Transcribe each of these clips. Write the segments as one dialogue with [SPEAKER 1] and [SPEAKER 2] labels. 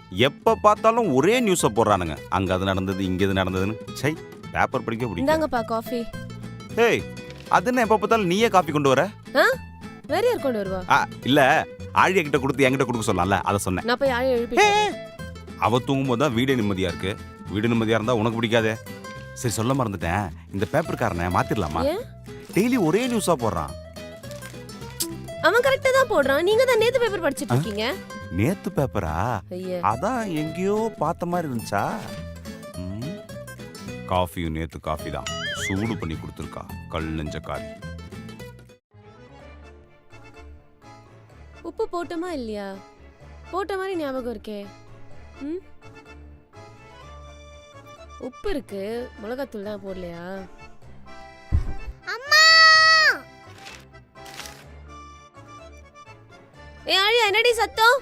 [SPEAKER 1] எப்ப பார்த்தாலும் ஒரே நியூஸை போடுறானுங்க. அங்க அது நடந்தது, இங்க இது நடந்ததுன்னு. சை, பேப்பர் படிக்க பிடிக்கும்.
[SPEAKER 2] இந்தாங்கப்பா காஃபி.
[SPEAKER 1] ஏய், அது என்ன எப்ப பார்த்தாலும் நீயே காஃபி கொண்டு வர?
[SPEAKER 2] வேற யார் கொண்டு வருவா?
[SPEAKER 1] இல்ல, ஆழியா கிட்ட கொடுத்து என்கிட்ட கொடுக்க சொல்லலாம்ல, அதை சொன்னேன்.
[SPEAKER 2] நான் போய் ஆழியா எழுப்பிட்டேன்.
[SPEAKER 1] அவ தூங்கும்போது தான் வீடு நிம்மதியா இருக்கு. வீடு நிம்மதியா இருந்தா உனக்கு பிடிக்காதே. சரி, சொல்ல மறந்துட்டேன். இந்த பேப்பர்காரனை மாத்திரலாமா? டெய்லி ஒரே நியூஸா போடுறான்.
[SPEAKER 2] அவன் கரெக்ட்டா தான் போடுறான். நீங்க தான் நேத்து பேப்பர் படிச்சிட்டு இருக்கீங்க.
[SPEAKER 1] நேத்து பேப்பரா? அதான் எங்கேயோ பார்த்த மாதிரி இருந்துச்சா? காஃபியும் நேத்து காஃபி தான். சூடு பண்ணி கொடுத்துருக்கா கல் நெஞ்ச காரி.
[SPEAKER 2] உப்பு போட்டோமா இல்லையா? போட்ட மாதிரி ஞாபகம் இருக்கே. உப்பு இருக்கு, மிளகாத்தூள் தான் போடலையா?
[SPEAKER 3] அம்மா!
[SPEAKER 2] ஏய் ஆழியா, என்னடி சத்தம்?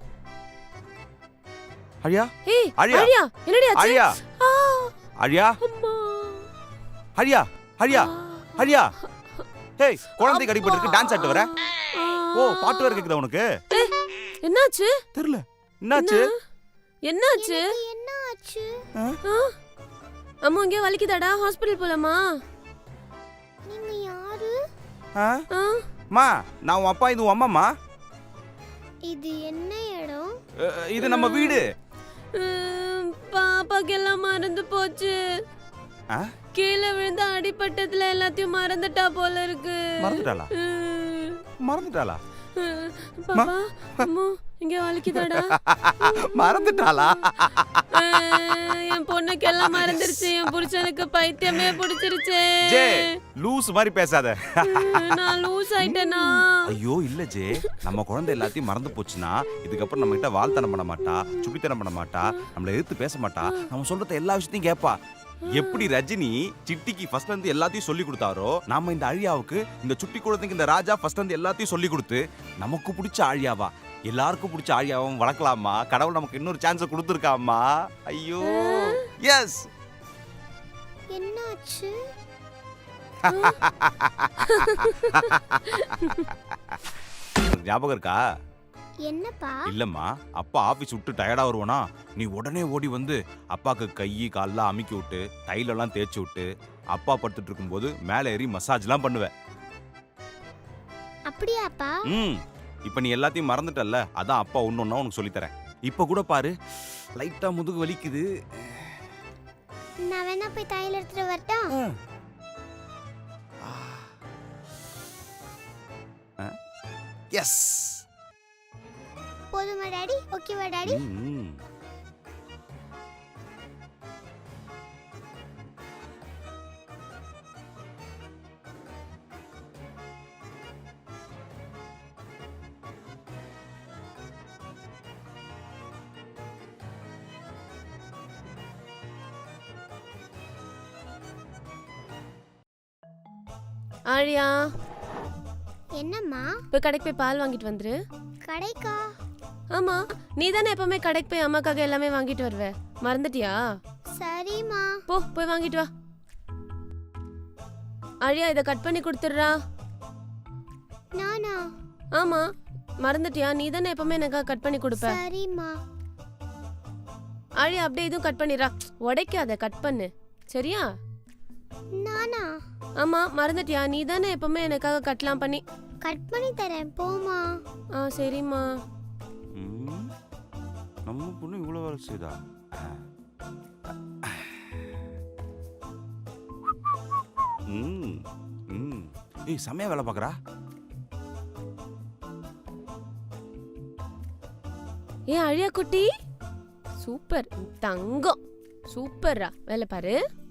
[SPEAKER 1] ஆழியா?
[SPEAKER 2] ஏய் ஆழியா, என்னடி ஆச்சு?
[SPEAKER 1] ஆழியா! ஆழியா!
[SPEAKER 2] அம்மா!
[SPEAKER 1] ஆழியா! ஆழியா! ஆழியா! ஏய், குழந்தை கடிபட்டு இருக்கு, டான்ஸ் ஆட்டு வர? ஓ, பாட்டு வர கேக்குதா உனக்கு?
[SPEAKER 2] என்னாச்சு?
[SPEAKER 1] தெரியல. என்னாச்சு?
[SPEAKER 2] என்னாச்சு?
[SPEAKER 3] என்னாச்சு?
[SPEAKER 2] அம்மா இங்க வலிக்குதாடா? ஹாஸ்பிடல் போலாமா?
[SPEAKER 3] நீங்க யாரு?
[SPEAKER 1] மா, நான் உன் அப்பா, இது உன் அம்மாமா.
[SPEAKER 3] இது என்ன இடம்?
[SPEAKER 1] இது நம்ம வீடு.
[SPEAKER 2] பாப்பாக்கு எல்லாம் மறந்து போச்சு. கீழே விழுந்த அடிபட்டதுல எல்லாத்தையும் மறந்துட்டா போல இருக்கு.
[SPEAKER 1] மறந்துட்டாளா? மறந்துட்டாளா?
[SPEAKER 2] பாப்பா, அம்மா இங்க வலிக்குதாடா?
[SPEAKER 1] மறந்துட்டாளா?
[SPEAKER 2] என் பொண்ணுக்கு எல்லாம் மறந்துருச்சு. என் புருஷனுக்கு பைத்தியமே பிடிச்சிருச்சு.
[SPEAKER 1] ஜே, லூஸ் மாதிரி பேசாத.
[SPEAKER 2] நான் லூஸ் ஆயிட்டேனா?
[SPEAKER 1] ஐயோ இல்ல ஜே, நம்ம குழந்தை எல்லாத்தையும் மறந்து போச்சுன்னா இதுக்கப்புறம் நம்ம கிட்ட வாழ்த்தனம் பண்ண மாட்டா, சுட்டித்தனம் பண்ண மாட்டா, நம்மள எதிர்த்து பேச மாட்டா, நம்ம சொல்றத எல்லா விஷயத்தையும் கேட்பா. எப்படி ரஜினி சிட்டிக்கு ஃபர்ஸ்ட் வந்து எல்லாத்தையும் சொல்லி கொடுத்தாரோ, நாம இந்த ஆழியாவுக்கு, இந்த சுட்டி குழந்தைக்கு இந்த ராஜா ஃபர்ஸ்ட் வந்து எல்லாத்தையும் சொல்லி கொடுத்து நமக்கு பிடிச்ச ஆழியாவா, எல்லாருக்கும் பிடிச்ச ஆழியாவும் வளர்க்கலாமா? கடவுள் நமக்கு இன்னொரு சான்ஸ் கொடுத்துருக்காமா. ஐயோ எஸ்.
[SPEAKER 3] என்னாச்சு?
[SPEAKER 1] ஞாபகம் இருக்கா?
[SPEAKER 3] என்னப்பா?
[SPEAKER 1] இல்லம்மா, அப்பா ஆபீஸ் விட்டு டயர்டா வருவானா, நீ உடனே ஓடி வந்து அப்பாக்கு கை கால்லாம் அமுக்கி விட்டு தைலெல்லாம் தேய்ச்சி விட்டு அப்பா படுத்துட்டு இருக்கும்போது மேலே ஏறி மசாஜ்லாம் பண்ணுவ.
[SPEAKER 3] அப்படியாப்பா?
[SPEAKER 1] இப்ப நீ எல்லாத்தையும் மறந்துட்டல்ல, அதான் அப்பா ஒன்னொன்னா உனக்கு சொல்லித்தரேன். இப்ப கூட பாரு, லைட்டா முதுகு வலிக்குது.
[SPEAKER 3] நான் வேணா போய் தையல் எடுத்துட்டு வரட்டா?
[SPEAKER 1] எஸ்.
[SPEAKER 3] போதுமா டாடி? ஓகேவா டாடி?
[SPEAKER 2] ஆழியா,
[SPEAKER 3] என்னம்மா?
[SPEAKER 2] போய் கடைக்கு போய் பால் வாங்கிட்டு வந்துரு.
[SPEAKER 3] கடைக்கா?
[SPEAKER 2] ஆமா, நீ தானே எப்பவுமே கடைக்கு போய் அம்மாக்காக எல்லாமே வாங்கிட்டு வருவ. மறந்துட்டியா?
[SPEAKER 3] சரிம்மா.
[SPEAKER 2] போய் வாங்கிட்டு வா. ஆழியா, இதை கட் பண்ணி கொடுத்துடுறா.
[SPEAKER 3] நானா?
[SPEAKER 2] ஆமா, மறந்துட்டியா? நீ தானே எப்பவுமே எனக்காக கட் பண்ணி கொடுப்ப.
[SPEAKER 3] சரிம்மா.
[SPEAKER 2] ஆழியா, அப்படியே இதுவும் கட் பண்ணிடுறா. உடைக்காத, கட் பண்ணு. சரியா?
[SPEAKER 3] நானா?
[SPEAKER 2] ஆமா, மறந்துட்டியா? நீ தானே எப்பவுமே எனக்காக கட்லாம் பண்ணி.
[SPEAKER 3] கட் பண்ணி தரேன், போமா.
[SPEAKER 2] சரிம்மா.
[SPEAKER 1] நம்ம பொண்ணு இவ்வளவு வேலை செய்தா? ஏய், செமையா வேலை பாக்குறா.
[SPEAKER 2] ஏ அழியா குட்டி, சூப்பர் தங்கம், சூப்பர்ரா, வேலை பாரு.